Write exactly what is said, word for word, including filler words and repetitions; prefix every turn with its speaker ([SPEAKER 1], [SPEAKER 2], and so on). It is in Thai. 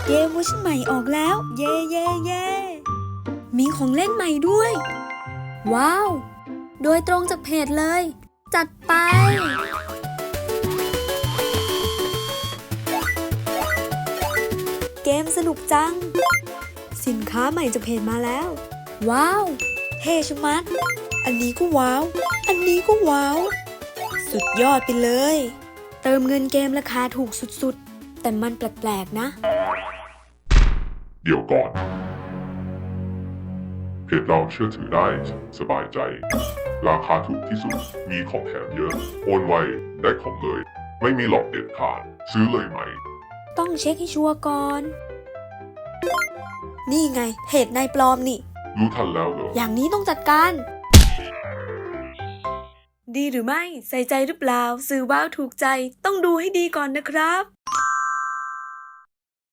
[SPEAKER 1] เกมเวอร์ชันใหม่ออกแล้ว เย่เย่เย่มีของเล่นใหม่ด้วยว้าวโดยตรงจากเพจเลยจัดไปเกมสนุกจังสินค้าใหม่จากเพจมาแล้วว้าวเท่ชะมัดอันนี้ก็ว้าวอันนี้ก็ว้าวสุดยอดไปเลยเติมเงินเกมราคาถูกสุดๆแต่มันแปลกๆนะ
[SPEAKER 2] เดี๋ยวก่อนเพจเราเชื่อถือได้สบายใจราคาถูกที่สุดมีของแถมเยอะโอนไวได้ของเลยไม่มีหลอกเด็ดขาดซื้อเลยไหม
[SPEAKER 1] ต้องเช็คให้ชัวร์ก่อนนี่ไงเพจนายปลอมนี่
[SPEAKER 2] รู้ทันแล้วเหรอ
[SPEAKER 1] อย่างนี้ต้องจัดการดีหรือไม่ใส่ใจหรือเปล่าสื่อว้าวถูกใจต้องดูให้ดีก่อนนะครับ